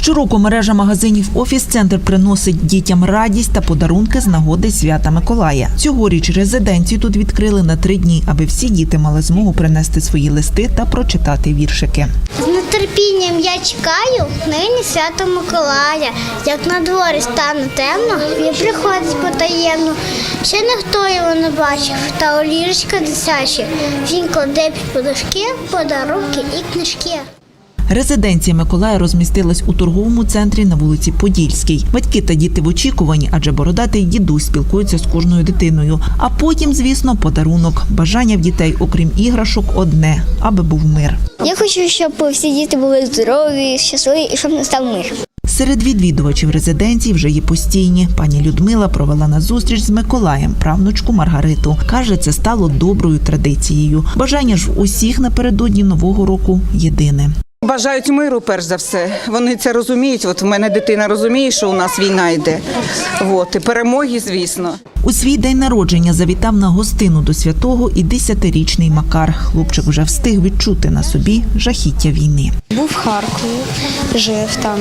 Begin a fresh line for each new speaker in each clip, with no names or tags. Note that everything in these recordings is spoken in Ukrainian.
Щороку мережа магазинів «Офіс-центр» приносить дітям радість та подарунки з нагоди свята Миколая. Цьогоріч резиденцію тут відкрили на 3 дні, аби всі діти мали змогу принести свої листи та прочитати віршики.
З нетерпінням я чекаю нині свято Миколая. Як на дворі стане темно, він приходить потаємно. Ще ніхто його не бачив, та у ліжечка дитячі. Він кладе під подушки, подарунки і книжки.
Резиденція Миколая розмістилась у торговому центрі на вулиці Подільській. Батьки та діти в очікуванні, адже бородатий дідусь спілкується з кожною дитиною. А потім, звісно, подарунок. Бажання в дітей, окрім іграшок, одне – аби був мир.
Я хочу, щоб всі діти були здорові, щасливі і щоб настав мир.
Серед відвідувачів резиденції вже є постійні. Пані Людмила провела на зустріч з Миколаєм правнучку Маргариту. Каже, це стало доброю традицією. Бажання ж в усіх напередодні Нового року єдине.
Бажають миру, перш за все. Вони це розуміють. От в мене дитина розуміє, що у нас війна йде. І перемоги, звісно.
У свій день народження завітав на гостину до святого і 10-річний Макар. Хлопчик вже встиг відчути на собі жахіття війни.
Був в Харкові, жив там.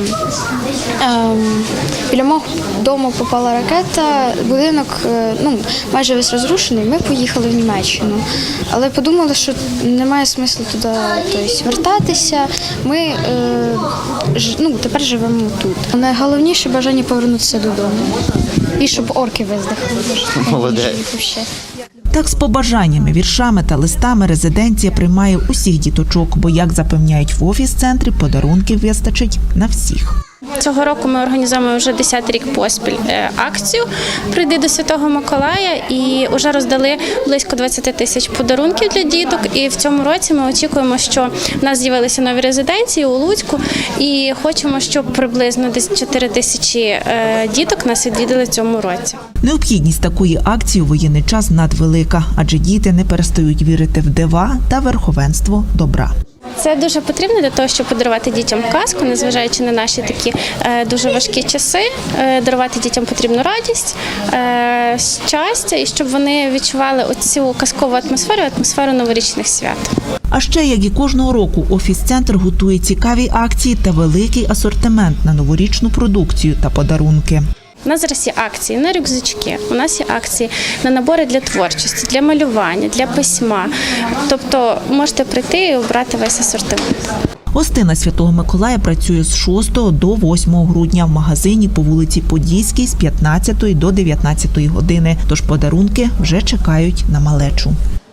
Біля мого дому попала ракета, будинок майже весь розрушений, ми поїхали в Німеччину. Але подумали, що немає смислу туди вертатися, ми тепер живемо тут. Найголовніше бажання повернутися додому і щоб орки виздихали.
Молодець.
Так з побажаннями, віршами та листами резиденція приймає усіх діточок, бо, як запевняють в офіс-центрі, подарунків вистачить на всіх.
Цього року ми організуємо вже 10-й рік поспіль акцію «Прийди до Святого Миколая» і вже роздали близько 20 тисяч подарунків для діток. І в цьому році ми очікуємо, що в нас з'явилися нові резиденції у Луцьку і хочемо, щоб приблизно десь 4 тисячі діток нас відвідали в цьому році.
Необхідність такої акції у воєнний час надвелика, адже діти не перестають вірити в дива та верховенство добра.
Це дуже потрібно для того, щоб подарувати дітям казку, незважаючи на наші такі дуже важкі часи. Дарувати дітям потрібну радість, щастя, і щоб вони відчували оцю казкову атмосферу новорічних свят.
А ще, як і кожного року, офіс-центр готує цікаві акції та великий асортимент на новорічну продукцію та подарунки.
У нас зараз є акції на рюкзачки, у нас є акції на набори для творчості, для малювання, для письма. Тобто можете прийти і обрати весь асортимент.
Гостина Святого Миколая працює з 6 до 8 грудня в магазині по вулиці Подільській з 15 до 19 години. Тож подарунки вже чекають на малечу.